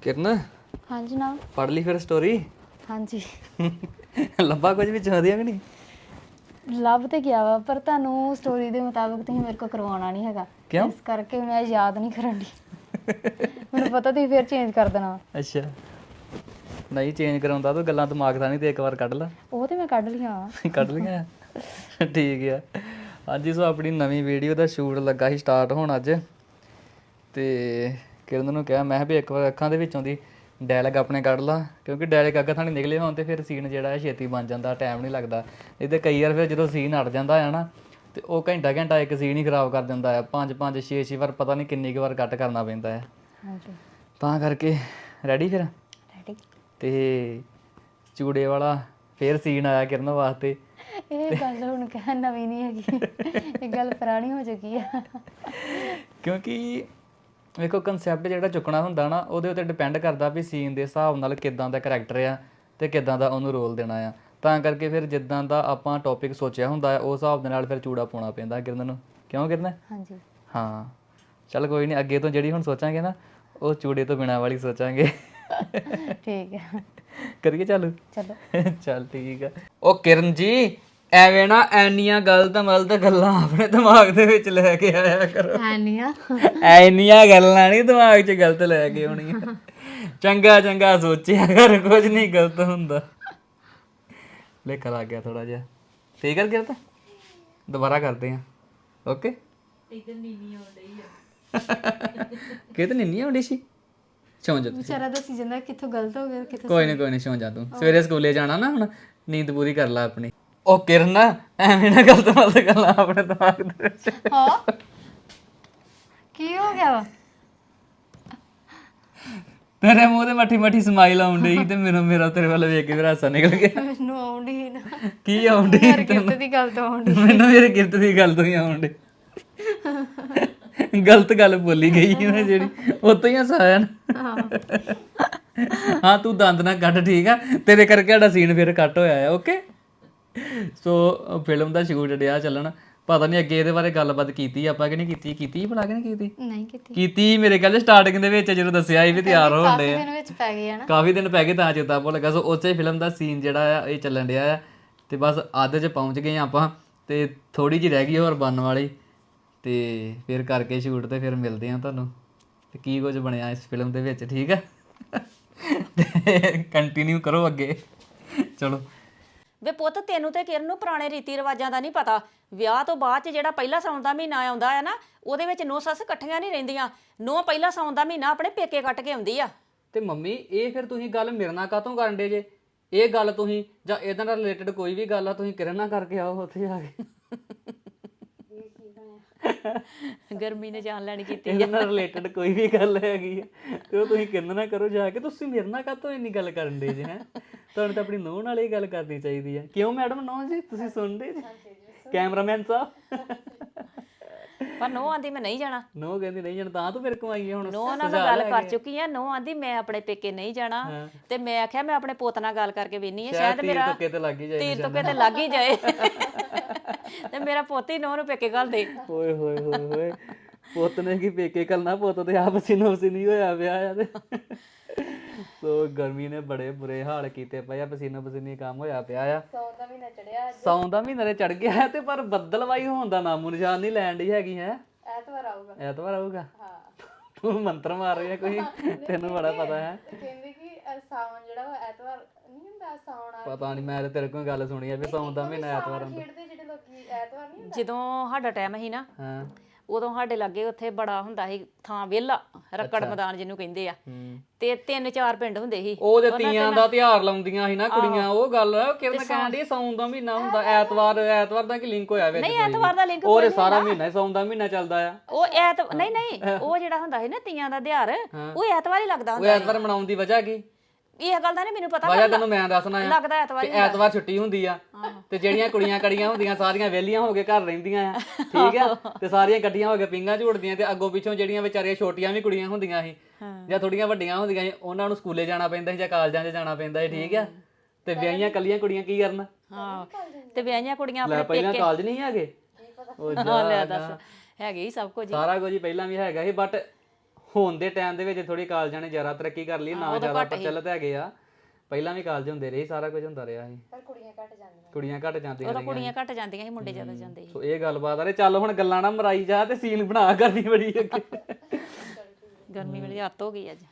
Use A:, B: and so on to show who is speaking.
A: ਕਿਰਨ
B: हाँ जी जनाब।
A: ਪੜ ਲਈ ਫਿਰ ਸਟੋਰੀ
B: हाँ जी
A: ਲੱਭਾ ਕੁਝ ਵਿੱਚ ਵਧੀਆ ਕਿ ਨਹੀਂ
B: ਲੱਭ ਤੇ ਗਿਆ ਵਾ ਪਰ ਤੁਹਾਨੂੰ ਸਟੋਰੀ ਦੇ ਮੁਤਾਬਕ ਤੁਸੀਂ ਮੇਰੇ ਕੋ ਕਰਵਾਉਣਾ ਨਹੀਂ ਹੈਗਾ
A: ਕਿਉਂ?
B: ਇਸ ਕਰਕੇ ਮੈਂ ਯਾਦ ਨਹੀਂ ਕਰਨ ਦੀ ਮੈਨੂੰ ਪਤਾ ਤੁਸੀਂ ਫਿਰ ਚੇਂਜ ਕਰ ਦੇਣਾ ਵਾ।
A: ਅੱਛਾ ਨਹੀਂ ਚੇਂਜ ਕਰਾਉਂਦਾ ਤੂੰ ਗੱਲਾਂ ਦਿਮਾਗ ਦਾ ਨਹੀਂ ਤੇ ਇੱਕ ਵਾਰ ਕੱਢ ਲਾ
B: ਉਹ ਤੇ ਮੈਂ ਕੱਢ ਲਿਆ ਵਾ।
A: ਕੱਢ ਲਈਆਂ ਠੀਕ ਆ ਹਾਂਜੀ ਸੋ ਆਪਣੀ ਨਵੀਂ ਵੀਡੀਓ ਦਾ ਸ਼ੂਟ ਲੱਗਾ ਸੀ ਸਟਾਰਟ ਹੋਣ ਅੱਜ ਤੇ ਕਿਰਨ ਨੂੰ ਕਿਹਾ ਮੈਂ ਕਿਹਾ ਵੀ ਇੱਕ ਵਾਰ ਅੱਖਾਂ ਦੇ ਵਿੱਚੋਂ ਦੀ ਡਾਇਲੌਗ ਆਪਣੇ ਕੱਢ ਲਾ ਕਿਉਂਕਿ ਡਾਇਲੌਗ ਅੱਗੇ ਥਾਣੀ ਨਿਕਲੇ ਹੋਣ ਤੇ ਫਿਰ ਸੀਨ ਜਿਹੜਾ ਹੈ ਛੇਤੀ ਬਣ ਜਾਂਦਾ ਟਾਈਮ ਨਹੀਂ ਲੱਗਦਾ ਨਹੀਂ ਤੇ ਕਈ ਵਾਰ ਫਿਰ ਜਦੋਂ ਸੀਨ ਅੜ ਜਾਂਦਾ ਹੈ ਨਾ ਤੇ ਉਹ ਘੰਟਾ ਘੰਟਾ ਇੱਕ ਸੀਨ ਹੀ ਖਰਾਬ ਕਰ ਦਿੰਦਾ ਹੈ 5 6 ਵਾਰ ਪਤਾ ਨਹੀਂ ਕਿੰਨੀ ਕੁ ਵਾਰ ਕੱਟ ਕਰਨਾ ਪੈਂਦਾ ਹੈ
B: ਹਾਂਜੀ
A: ਤਾਂ ਕਰਕੇ ਰੈਡੀ ਫਿਰ
B: ਰੈਡੀ।
A: ਤੇ ਚੂੜੇ ਵਾਲਾ ਫੇਰ ਸੀਨ ਆਇਆ ਕਿਰਨ ਵਾਸਤੇ
B: ਇਹ ਗੱਲ ਹੁਣ ਕਹਿ ਨਵੀਂ ਨਹੀਂ ਹੈਗੀ ਇਹ ਗੱਲ ਪੁਰਾਣੀ ਹੋ ਚੁੱਕੀ ਆ
A: ਕਿਉਂਕਿ ਵੇਖੋ ਕਨਸੈਪਟ ਜਿਹੜਾ ਚੁੱਕਣਾ ਹੁੰਦਾ ਨਾ ਉਹਦੇ ਉੱਤੇ ਡਿਪੈਂਡ ਕਰਦਾ ਵੀ ਸੀਨ ਦੇ ਹਿਸਾਬ ਨਾਲ ਕਿੱਦਾਂ ਦਾ ਕਰੈਕਟਰ ਆ ਤੇ ਕਿੱਦਾਂ ਦਾ ਉਹਨੂੰ ਰੋਲ ਦੇਣਾ ਆ ਤਾਂ ਕਰਕੇ ਫਿਰ ਜਿੱਦਾਂ ਦਾ ਆਪਾਂ ਟੌਪਿਕ ਸੋਚਿਆ ਹੁੰਦਾ ਹੈ ਉਸ ਹਿਸਾਬ ਦੇ ਨਾਲ ਫਿਰ ਚੂੜਾ ਪਾਉਣਾ ਪੈਂਦਾ ਕਿਰਨ ਨੂੰ ਕਿਉਂ ਕਿਰਨ
B: ਹਾਂਜੀ
A: ਹਾਂ ਚੱਲ ਕੋਈ ਨਹੀਂ ਅੱਗੇ ਤੋਂ ਜਿਹੜੀ ਹੁਣ ਸੋਚਾਂਗੇ ਨਾ ਉਹ ਚੂੜੇ ਤੋਂ ਬਿਨਾਂ ਵਾਲੀ ਸੋਚਾਂਗੇ
B: ਠੀਕ ਹੈ
A: ਕਰੀਏ ਚਾਲੂ
B: ਚਲੋ
A: ਚੱਲ ਠੀਕ ਆ ਉਹ ਕਿਰਨ ਜੀ ਐਵੇਂ ਨਾ ਐਨੀਆਂ ਗਲਤ ਗੱਲਾਂ ਆਪਣੇ ਦਿਮਾਗ ਦੇ ਵਿੱਚ ਲੈ ਕੇ ਆਇਆ ਕਰੋ
B: ਹੈ ਨਹੀਂ ਆ
A: ਐਨੀਆਂ ਗੱਲਾਂ ਨਹੀਂ ਦਿਮਾਗ 'ਚ ਗਲਤ ਲੈ ਕੇ ਆਉਣੀਆਂ ਚੰਗਾ ਚੰਗਾ ਸੋਚਿਆ ਕਰ ਕੁਝ ਨਹੀਂ ਗਲਤ ਹੁੰਦਾ ਲੇਖਾ ਲੱਗ ਗਿਆ ਥੋੜਾ ਜਿਹਾ ਠੀਕ ਕਰ ਗਿਆ ਤਾਂ ਦੁਬਾਰਾ ਕਰਦੇ ਆ ਓਕੇ ਕਿਤੇ ਨੀਨੀ ਆਉਂਦੀ ਸੀ ਸੌਂ ਜਾ ਤੂੰ
B: ਵਿਚਾਰਾ ਦੱਸੀ ਜਾਂਦਾ ਕਿੱਥੋਂ ਗਲਤ ਹੋ ਗਿਆ ਕਿੱਥੋਂ
A: ਕੋਈ ਨਹੀਂ ਸੌਂ ਜਾ ਤੂੰ ਸਵੇਰੇ ਸਕੂਲੇ ਜਾਣਾ ਨਾ ਹੁਣ ਨੀਂਦ ਪੂਰੀ ਕਰ ਲੈ ਆਪਣੀ ਉਹ ਕਿਰਨ ਐਵੇਂ ਨਾ ਗਲਤ ਗੱਲਾਂ ਆਪਣੇ ਦਿਮਾਗ ਦੇ ਵਿੱਚ
B: ਹਾਂ ਕੀ ਹੋ ਗਿਆ ਵਾ
A: ਤੇਰੇ ਮੂੰਹ ਤੇ ਮੱਠੀ ਸਮਾਈਲ ਆਉਣ ਡਈ ਤੇ ਮੇਰਾ ਤੇਰੇ ਵੱਲ ਵੇਖ ਕੇ ਮੇਰਾ ਹਾਸਾ ਨਿਕਲ ਗਿਆ
B: ਮੈਨੂੰ ਆਉਂਦੀ ਨਾ
A: ਕੀ ਆਉਣ ਡਈ
B: ਯਾਰ ਕਿਰਤ ਦੀ ਗੱਲ ਤੋਂ ਆਉਂਦੀ
A: ਮੈਨੂੰ ਮੇਰੇ ਕਿਰਤ ਦੀ ਗੱਲ ਤੋਂ ਹੀ ਆਉਣ ਡਈ ਗਲਤ ਗੱਲ ਬੋਲੀ ਗਈ ਨਾ ਜਿਹੜੀ ਉਤੋਂ ਹੀ ਹੱਸ ਆਇਆ ਨਾ ਹਾਂ ਤੂੰ ਦੰਦ ਨਾ ਕੱਢ ਠੀਕ ਆ ਤੇਰੇ ਕਰਕੇ ਸਾਡਾ ਸੀਨ ਫਿਰ ਕੱਟ ਹੋਇਆ ਆ ਓਕੇ ਸੋ ਫਿਲਮ ਦਾ ਸ਼ੂਟ ਡਿਆ ਚੱਲਣ ਪਤਾ ਨਹੀਂ ਅੱਗੇ ਇਹਦੇ ਬਾਰੇ ਗੱਲਬਾਤ ਕੀਤੀ ਆਪਾਂ ਕਿ ਨਹੀਂ ਕੀਤੀ ਭਲਾ ਕਿ ਨਹੀਂ ਕੀਤੀ
B: ਨਹੀਂ ਕੀਤੀ
A: ਕੀਤੀ ਮੇਰੇ ਖਿਆਲ ਸਟਾਰਟਿੰਗ ਦੇ ਵਿੱਚ ਜਦੋਂ ਦੱਸਿਆ ਸੀ ਵੀ ਤਿਆਰ ਹੋਣ ਡੇ ਆ
B: ਦਿਨ ਵਿੱਚ ਪੈ ਗਏ ਆ ਨਾ
A: ਕਾਫੀ ਦਿਨ ਪੈ ਗਏ ਤਾਂ ਚੇਤਾ ਭੁੱਲ ਗਿਆ ਸੋ ਉਸੇ ਫਿਲਮ ਦਾ ਸੀਨ ਜਿਹੜਾ ਆ ਇਹ ਚੱਲਣ ਡਿਆ ਆ ਤੇ ਬਸ ਅੱਧ 'ਚ ਪਹੁੰਚ ਗਏ ਆਪਾਂ ਤੇ ਥੋੜੀ ਜਿਹੀ ਰਹਿ ਗਈ ਹੋਰ ਬਣਨ ਵਾਲੀ ਤੇ ਫਿਰ ਕਰਕੇ ਸ਼ੂਟ ਤੇ ਫਿਰ ਮਿਲਦੇ ਆ ਤੁਹਾਨੂੰ ਤੇ ਕੀ ਕੁਝ ਬਣਿਆ ਇਸ ਫਿਲਮ ਦੇ ਵਿੱਚ ਠੀਕ ਆ ਕੰਟੀਨਿਊ ਕਰੋ ਅੱਗੇ ਚਲੋ
C: ਵੇ ਪੁੱਤ ਤੈਨੂੰ ਤੇ ਕਿਰਨ ਨੂੰ ਪੁਰਾਣੇ ਰੀਤੀ ਰਿਵਾਜਾਂ ਦਾ ਨਹੀਂ ਪਤਾ ਵਿਆਹ ਤੋਂ ਬਾਅਦ ਚ ਜਿਹੜਾ ਪਹਿਲਾ ਸਾਉਣ ਦਾ ਮਹੀਨਾ ਆਉਂਦਾ ਹੈ ਨਾ ਉਹਦੇ ਵਿੱਚ ਨੂੰਹ ਸੱਸ ਇਕੱਠੀਆਂ ਨਹੀਂ ਰਹਿੰਦੀਆਂ ਨੂੰਹ ਪਹਿਲਾ ਸਾਉਣ ਦਾ ਮਹੀਨਾ ਆਪਣੇ ਪੇਕੇ ਕੱਟ ਕੇ ਆਉਂਦੀ ਆ
A: ਤੇ ਮੰਮੀ ਇਹ ਫਿਰ ਤੁਸੀਂ ਗੱਲ ਮੇਰੇ ਨਾਲ ਕਾਹਤੋਂ ਕਰਨ ਡੇ ਜੇ ਇਹ ਗੱਲ ਤੁਸੀਂ ਜਾਂ ਇਹਦੇ ਨਾਲ ਰਿਲੇਟਡ ਕੋਈ ਵੀ ਗੱਲ ਆ ਤੁਸੀਂ ਕਿਰਨ ਨਾਲ ਕਰਕੇ ਆਓ ਉੱਥੇ ਆ ਕੇ
C: ਗਰਮੀ ਨੇ ਜਾਨ ਲੈਣੀ ਕੀਤੀ
A: ਇਹਦੇ ਨਾਲ ਰਿਲੇਟਡ ਕੋਈ ਵੀ ਗੱਲ ਹੈਗੀ ਆ ਤੇ ਉਹ ਤੁਸੀਂ ਕਿਰਨ ਨਾਲ ਕਰੋ ਜਾ ਕੇ ਤੁਸੀਂ ਮੇਰੇ ਨਾਲ ਕਾਹਤੋਂ ਇੰਨੀ ਗੱਲ ਕਰਨ ਦੇ ਜੇ ਹੈ ਤੁਹਾਨੂੰ ਤਾਂ ਆਪਣੀ ਨੂੰਹ ਨਾਲ ਇਹ ਗੱਲ ਕਰਨੀ ਚਾਹੀਦੀ ਆ ਕਿਉਂ ਮੈਡਮ ਨੂੰਹ ਜੀ ਤੁਸੀਂ ਸੁਣਦੇ ਜੀ ਕੈਮਰਾਮੈਨ ਸਾਹਿਬ
C: ਪਰ ਨੂੰਹ ਆਂਦੀ ਮੈਂ ਨਹੀਂ ਜਾਣਾ
A: ਨੂੰਹ ਕਹਿੰਦੀ ਨਹੀਂ ਜਾਣਾ ਤਾਂ ਤੂੰ ਮੇਰੇ ਕੋਲ ਆਈ ਆ ਹੁਣ
C: ਨੂੰਹ ਨਾਲ ਮੈਂ ਗੱਲ ਕਰ ਚੁੱਕੀ ਆ ਨੂੰਹ ਆਂਦੀ ਮੈਂ ਆਪਣੇ ਪੇਕੇ ਨਹੀਂ ਜਾਣਾ ਤੇ ਮੈਂ ਆਖਿਆ ਮੈਂ ਆਪਣੇ ਪੁੱਤ ਨਾਲ ਗੱਲ ਕਰਕੇ ਵੇਨੀ ਆ ਸ਼ਾਇਦ ਮੇਰਾ
A: ਤੁੱਕੇ ਤੇ ਲੱਗ ਹੀ ਜਾਏ
C: ਤੀਰ ਤੁੱਕੇ ਤੇ ਲੱਗ ਹੀ ਜਾਏ ਤੇ ਮੇਰਾ ਪੁੱਤ ਹੀ ਨੂੰਹ ਨੂੰ ਪੇਕੇ ਘੱਲ ਦੇ
A: ਓਏ ਹੋਏ ਹੋਏ ਹੋਏ ਪੁੱਤ ਨੇ ਕੀ ਪੇਕੇ ਕੱਲਣਾ ਪੁੱਤ ਤੇ ਆਪ ਨਹੀਂ ਹੋਇਆ ਪਿਆ ਆ ਤੇ ਸੋ ਗਰਮੀ ਨੇ ਬੜੇ ਬੁਰੇ ਹਾਲ ਕੀਤੇ ਪਏ ਆ ਪਸੀਨੀ ਕੰਮ ਹੋਇਆ ਪਿਆ ਆ ਸੌਣ ਦਾ ਮਹੀਨਾ ਤੇ ਚੜ ਗਿਆ ਤੇ ਪਰ ਬੱਦਲਵਾਈ ਹੋਣ ਦਾ ਨਾਮੋ ਨਿਸ਼ਾਨ ਨਹੀਂ ਲੈਣ ਦੀ ਹੈਗੀ ਹੈ ਐਤਵਾਰ ਆਊਗਾ ਹਾਂ ਤੂੰ ਮੰਤਰ ਮਾਰ ਰਹੀ ਹੈ ਕੋਈ ਤੈਨੂੰ ਬੜਾ ਪਤਾ ਹੈ
B: ਕਹਿੰਦੇ ਕਿ ਸਾਵਣ ਜਿਹੜਾ ਵਾ ਐਤਵਾਰ ਨਹੀਂ ਹੁੰਦਾ ਸਾਉਣ
A: ਪਤਾ ਨਹੀਂ ਮੈਂ ਤੇ ਤੇਰੇ ਕੋਲ ਗੱਲ ਸੁਣੀ ਆ ਵੀ ਸੌਣ ਦਾ ਮਹੀਨਾ ਐਤਵਾਰ ਹੁੰਦਾ
B: ਖੇਡਦੇ ਜਿਹੜੇ ਲੋਕੀ ਐਤਵਾਰ ਨਹੀਂ
C: ਜਦੋਂ ਸਾਡਾ ਟਾਈਮ ਸੀ ਨਾ
A: ਹਾਂ
C: ਉਦੋਂ ਸਾਡੇ ਲਾਗੇ ਉੱਥੇ ਬੜਾ ਹੁੰਦਾ ਸੀ ਥਾਂ ਵਿਹਲਾ ਰੱਕੜ ਮੈਦਾਨ ਜਿਹਨੂੰ ਕਹਿੰਦੇ ਆ ਤੇ 3-4 ਪਿੰਡ ਹੁੰਦੇ ਸੀ
A: ਉਹਦੇ ਤੀਆਂ ਦਾ ਤਿਉਹਾਰ ਲਾਉਂਦੀਆਂ ਸੀ ਨਾ ਕੁੜੀਆਂ ਉਹ ਗੱਲ ਕਿਰਨ ਕਹਿਣ ਦੀ ਸੌਣ ਦਾ ਮਹੀਨਾ ਹੁੰਦਾ ਐਤਵਾਰ ਦਾ ਕੀ ਲਿੰਕ ਹੋਇਆ ਵਿੱਚ
C: ਨਹੀਂ ਐਤਵਾਰ ਦਾ ਲਿੰਕ
A: ਉਹ ਸਾਰਾ ਮਹੀਨਾ ਸੌਣ ਦਾ ਮਹੀਨਾ ਚੱਲਦਾ ਆ
C: ਉਹ ਨਹੀਂ ਉਹ ਜਿਹੜਾ ਹੁੰਦਾ ਸੀ ਨਾ ਤੀਆਂ ਦਾ ਤਿਉਹਾਰ ਉਹ ਐਤਵਾਰ ਹੀ ਲੱਗਦਾ
A: ਉਹ
C: ਹੁੰਦਾ
A: ਐਤਵਾਰ ਮਨਾਉਣ ਦੀ ਵਜ੍ਹਾ ਕੀ
C: ਇਹ ਗੱਲ ਦਾ ਨਹੀਂ ਮੈਨੂੰ ਪਤਾ
A: ਵਜ੍ਹਾ ਤੈਨੂੰ ਮੈਂ ਦੱਸਣਾ ਆ
C: ਲੱਗਦਾ ਐਤਵਾਰ
A: ਤੇ ਐਤਵਾਰ ਛੁੱਟੀ ਹੁੰਦੀ ਆ ਤੇ ਜਿਹੜੀਆਂ ਕੁੜੀਆਂ ਕੜੀਆਂ ਹੁੰਦੀਆਂ ਸਾਰੀਆਂ ਵਿਹਲੀਆਂ ਹੋ ਕੇ ਘਰ ਰਹਿੰਦੀਆਂ ਆ ਠੀਕ ਆ ਤੇ ਸਾਰੀਆਂ ਇਕੱਠੀਆਂ ਹੋ ਕੇ ਪਿੰਗਾਂ ਝੂੜਦੀਆਂ ਤੇ ਅੱਗੋਂ ਪਿੱਛੋਂ ਜਿਹੜੀਆਂ ਵਿਚਾਰੀਆਂ ਛੋਟੀਆਂ ਵੀ ਕੁੜੀਆਂ ਹੁੰਦੀਆਂ ਸੀ ਜਾਂ ਥੋੜੀਆਂ ਵੱਡੀਆਂ ਹੁੰਦੀਆਂ ਸੀ ਉਹਨਾਂ ਨੂੰ ਸਕੂਲੇ ਜਾਣਾ ਪੈਂਦਾ ਸੀ ਜਾਂ ਕਾਲਜਾਂ 'ਚ ਜਾਣਾ ਪੈਂਦਾ ਸੀ ਠੀਕ ਆ ਤੇ ਵਿਆਹੀਆਂ ਕੱਲੀਆਂ ਕੁੜੀਆਂ ਕੀ ਕਰਨ
C: ਹਾਂ ਤੇ ਵਿਆਹੀਆਂ ਕੁੜੀਆਂ
A: ਲੈ
C: ਆਪਣੇ
A: ਪਹਿਲਾਂ ਕਾਲਜ ਨਹੀਂ ਹੈਗੇ ਉਹ
C: ਲੈ ਦੱਸ ਹੈਗੇ ਹੀ ਸਭ ਕੁਝ
A: ਸਾਰਾ ਕੁਝ ਹੀ ਪਹਿਲਾਂ ਵੀ ਹੈਗਾ ਸੀ ਬਟ ਹੋਣ ਦੇ ਟਾਈਮ ਦੇ ਵਿੱਚ ਥੋੜੀ ਕਾਲਜਾਂ ਨੇ ਜ਼ਿਆਦਾ ਤਰੱਕੀ ਕਰ ਲਈ ਨਾ ਜ਼ਿਆਦਾ ਪ੍ਰਚਲਿਤ ਹੈਗੇ ਆ ਪਹਿਲਾਂ ਵੀ ਕਾਲਜ ਹੁੰਦੇ ਰਹੇ ਸਾਰਾ ਕੁਝ ਹੁੰਦਾ ਰਿਹਾ ਸੀ ਪਰ ਕੁੜੀਆਂ ਘੱਟ ਜਾਂਦੀਆਂ
C: ਉਦੋਂ ਕੁੜੀਆਂ ਘੱਟ ਜਾਂਦੀਆਂ ਸੀ ਮੁੰਡੇ ਜ਼ਿਆਦਾ ਜਾਂਦੇ ਸੀ
A: ਸੋ ਇਹ ਗੱਲਬਾਤ ਆ ਰੇ ਚੱਲ ਹੁਣ ਗੱਲਾਂ ਨਾ ਮਰਾਈ ਜਾ ਤੇ ਸੀਨ ਬਣਾ ਕਰਨੀ ਬੜੀ ਅੱਗੇ
C: ਗਰਮੀ ਵੇਲੇ ਹੱਤ ਹੋ ਗਈ ਅੱਜ